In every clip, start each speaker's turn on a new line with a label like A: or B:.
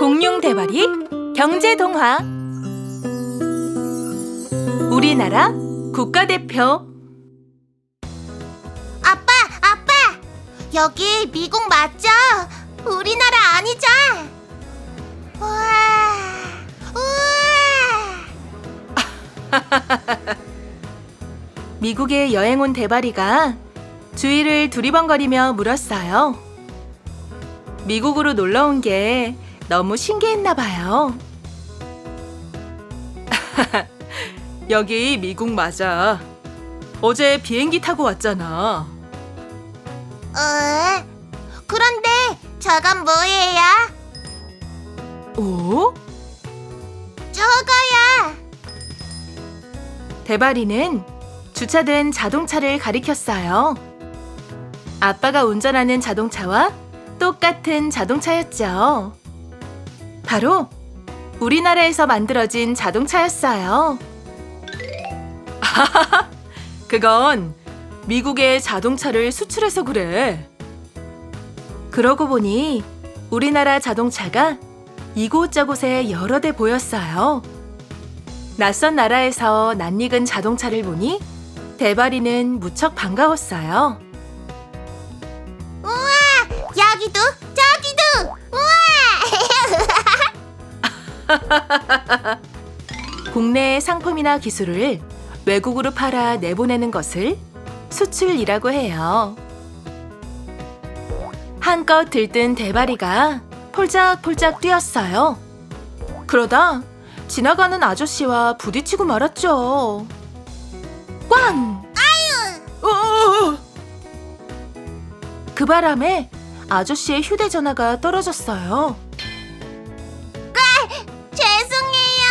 A: 공룡 대발이 경제 동화. 우리나라 국가대표.
B: 아빠! 여기 미국 맞죠? 우리나라 아니죠? 우와!
A: 미국에 여행 온 대발이가 주위를 두리번거리며 물었어요. 미국으로 놀러 온 게 너무 신기했나 봐요. 여기 미국 맞아. 어제 비행기 타고 왔잖아.
B: 그런데 저건 뭐예요?
A: 오?
B: 저거야!
A: 대발이는 주차된 자동차를 가리켰어요. 아빠가 운전하는 자동차와 똑같은 자동차였죠. 바로 우리나라에서 만들어진 자동차였어요. 그건 미국에 자동차를 수출해서 그래. 그러고 보니 우리나라 자동차가 이곳저곳에 여러 대 보였어요. 낯선 나라에서 낯익은 자동차를 보니 대발이는 무척 반가웠어요.
B: 우와! 여기도 저기도! 우와!
A: 국내의 상품이나 기술을 외국으로 팔아 내보내는 것을 수출이라고 해요. 한껏 들뜬 대발이가 폴짝폴짝 뛰었어요. 그러다 지나가는 아저씨와 부딪히고 말았죠. 꽝! 아유! 그 바람에 아저씨의 휴대전화가 떨어졌어요.
B: 죄송해요.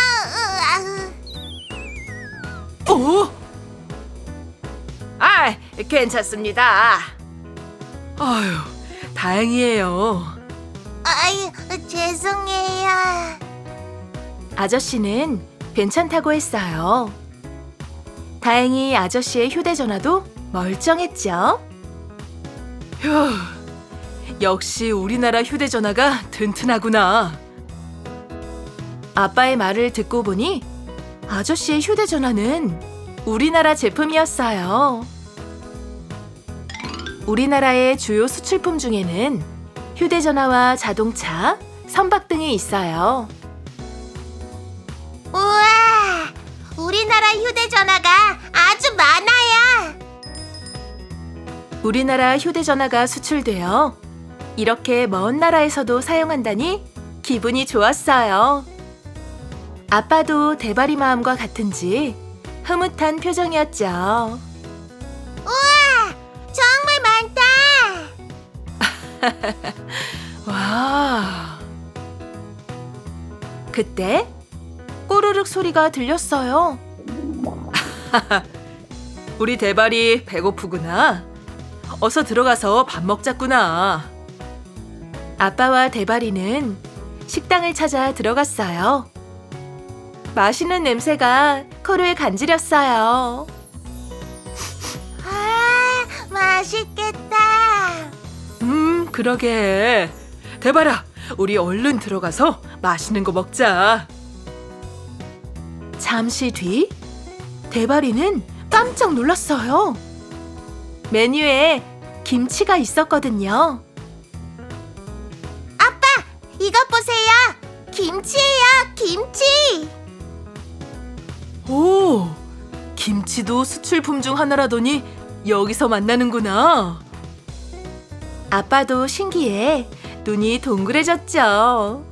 A: 괜찮습니다. 아유, 다행이에요.
B: 아유, 죄송해요.
A: 아저씨는 괜찮다고 했어요. 다행히 아저씨의 휴대전화도 멀쩡했죠. 휴, 역시 우리나라 휴대전화가 튼튼하구나. 아빠의 말을 듣고 보니 아저씨의 휴대전화는 우리나라 제품이었어요. 우리나라의 주요 수출품 중에는 휴대전화와 자동차, 선박 등이 있어요.
B: 우와! 우리나라 휴대전화가 아주 많아요.
A: 우리나라 휴대전화가 수출되어 이렇게 먼 나라에서도 사용한다니 기분이 좋았어요. 아빠도 대발이 마음과 같은지 흐뭇한 표정이었죠.
B: 우와! 정말 많다!
A: 와. 그때 꼬르륵 소리가 들렸어요. 우리 대발이 배고프구나. 어서 들어가서 밥 먹자꾸나. 아빠와 대발이는 식당을 찾아 들어갔어요. 맛있는 냄새가 코를 간지렸어요.
B: 아, 맛있겠다.
A: 그러게. 대발아, 우리 얼른 들어가서 맛있는 거 먹자. 잠시 뒤, 대발이는 깜짝 놀랐어요. 메뉴에 김치가 있었거든요.
B: 아빠, 이것 보세요. 김치예요, 김치.
A: 오, 김치도 수출품 중 하나라더니 여기서 만나는구나. 아빠도 신기해 눈이 동그래졌죠.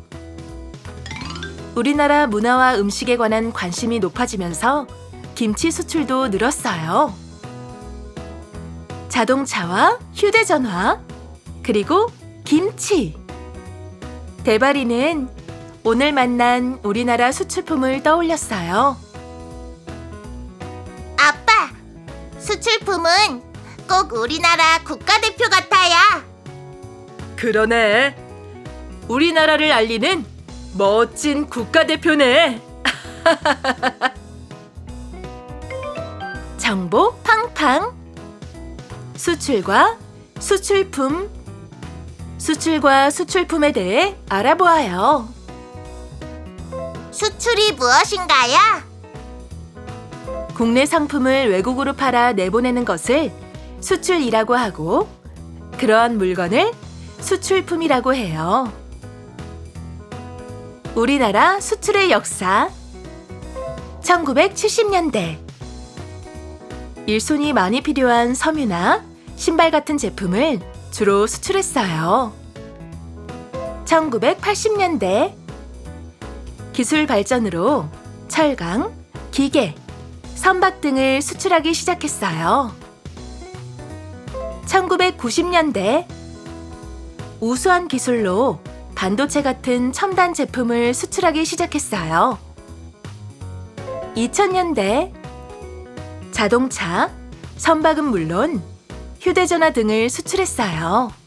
A: 우리나라 문화와 음식에 관한 관심이 높아지면서 김치 수출도 늘었어요. 자동차와 휴대전화, 그리고 김치. 대발이는 오늘 만난 우리나라 수출품을 떠올렸어요.
B: 아빠, 수출품은 꼭 우리나라 국가대표 같아요.
A: 그러네. 우리나라를 알리는 멋진 국가대표네. 정보 팡팡. 수출과 수출품. 수출과 수출품에 대해 알아보아요.
B: 수출이 무엇인가요?
A: 국내 상품을 외국으로 팔아 내보내는 것을 수출이라고 하고, 그러한 물건을 수출품이라고 해요. 우리나라 수출의 역사. 1970년대. 일손이 많이 필요한 섬유나 신발 같은 제품을 주로 수출했어요. 1980년대. 기술 발전으로 철강, 기계, 선박 등을 수출하기 시작했어요. 1990년대. 우수한 기술로 반도체 같은 첨단 제품을 수출하기 시작했어요. 2000년대. 자동차, 선박은 물론 휴대전화 등을 수출했어요.